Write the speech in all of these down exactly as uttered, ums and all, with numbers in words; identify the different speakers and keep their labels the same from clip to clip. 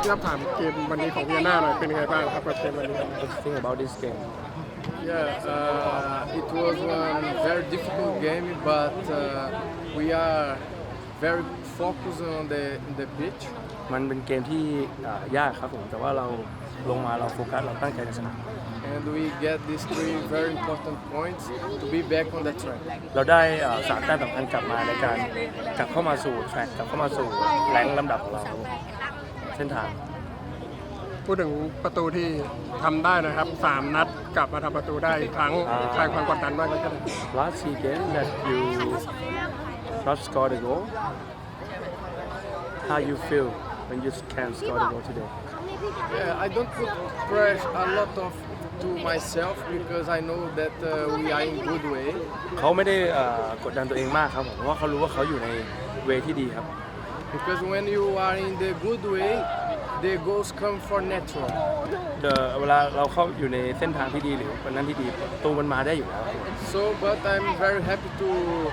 Speaker 1: ครับถามเกมวันนี้ของเวียนนาหน่อยเป็นยังไงบ้างครับกับเกมวันนี้
Speaker 2: What do you think about this game?
Speaker 3: Yeah, uh, it was one very difficult game, but uh, we are very focused on the the pitch.
Speaker 2: มันเป็นเกมที่อ่ายากครับผมแต่ว่าเราลงมาเราโฟกัสเราตั้งใจในสนาม
Speaker 3: And we get these three very important points to be back on the track.
Speaker 2: เราได้อ่าสามแต้มสำคัญกลับมาในการกลับเข้ามาสู่แทร็กกลับเข้ามาสู่แรงลำดับของเราเส้นทาง
Speaker 1: พูดถึงประตูที่ทำได้นะครับสามนัดกลับมาทำประตูได้อีกครั้งคลายความกดดันมากเลยครับ
Speaker 2: Last three games that you not scored a goal, how you feel when you can score the goal today?
Speaker 3: Yeah, I don't put pressure a lot of to myself because I know that uh, we are in good way.
Speaker 2: เขาไม่ได้อ่ากดดันตัวเองมากครับผมเพราะว่าเขารู้ว่าเขาอยู่ในเวที่ดีครับ
Speaker 3: Because when you are in the good way, the goals come for natural.
Speaker 2: เดอเวลาเราเข้าอยู่ในเส้นทางที่ดีหรือวันนั้นที่ดีประตูมันมาได้อยู่แล้ว
Speaker 3: So, but I'm very happy to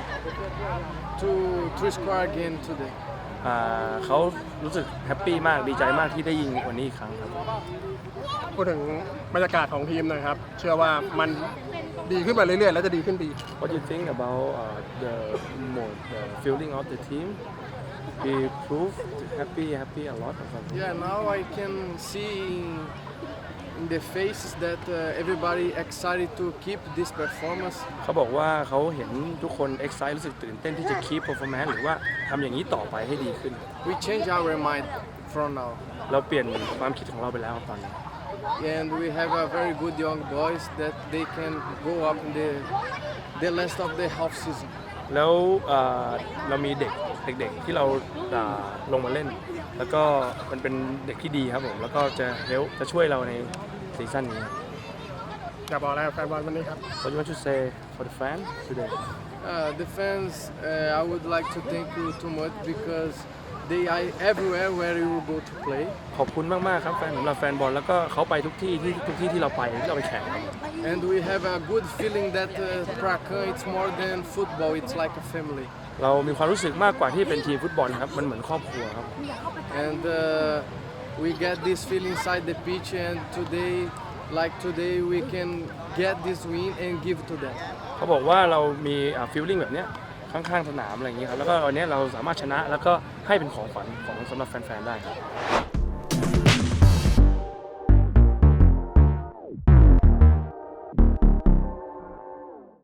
Speaker 3: to to score again today.
Speaker 2: อ่าเขารู้สึกแฮปปี้มากดีใจมากที่ได้ยิงวันนี้อีกครั้งครับ
Speaker 1: พูดถึงบรรยากาศของทีมหนะครับเชื่อว่ามันดีขึ้นไปเรื่อยๆแล้วจะดีขึ้นไปอีก
Speaker 2: What do you think about uh, the mode the feeling of the team we proved happy happy a lot or something
Speaker 3: Yeah, now I can see in, in the faces that uh, everybody excited to keep this performance.
Speaker 2: เขาบอกว่าเขาเห็นทุกคน excite รู้สึกตื่นเต้นที่จะ keep performance หรือว่าทำอย่างนี้ต่อไปให้ดีขึ้น
Speaker 3: We change our mind from now.
Speaker 2: เราเปลี่ยนความคิดของเราไปแล้วตอนนี้
Speaker 3: And we have a very good young boys that they can go up in the the last of the half season.
Speaker 2: แล้วเอ่อเรามีเด็กเด็กๆที่เราอ่าลงมาเล่น แล้วก็มันเป็นเด็กที่ดีครับผมแล้วก็จะเฮลจะช่วยเราในซีซั่นนี้
Speaker 1: จะบอกอะไรกับแฟนบอลวันนี้ครับ
Speaker 2: What do you want to say for the fans today
Speaker 3: Uh, the fans, uh, I would like to thank you too much because they are everywhere where you go to play.
Speaker 2: ขอบคุณมากๆครับแฟนสำหรับแฟนบอลแล้วก็เขาไปทุกที่ที่ทุกที่ที่เราไปที่เราไปแข่งครับ
Speaker 3: And we have a good feeling that uh, Prakan it's more than football, it's like a family.
Speaker 2: เรามีความรู้สึกมากกว่าที่เป็นทีมฟุตบอลครับมันเหมือนครอบครัวครับ
Speaker 3: And uh, we get this feeling inside the pitch and today, like today, we can get this win and give to them.
Speaker 2: เขาบอกว่าเรามีฟีลลิ่งแบบเนี้ยข้างๆสนามอะไรอย่างนี้ครับแล้วก็วันนี้เราสามารถชนะแล้วก็ให้เป็นของขวัญของสำหรับแฟนๆได้ครับ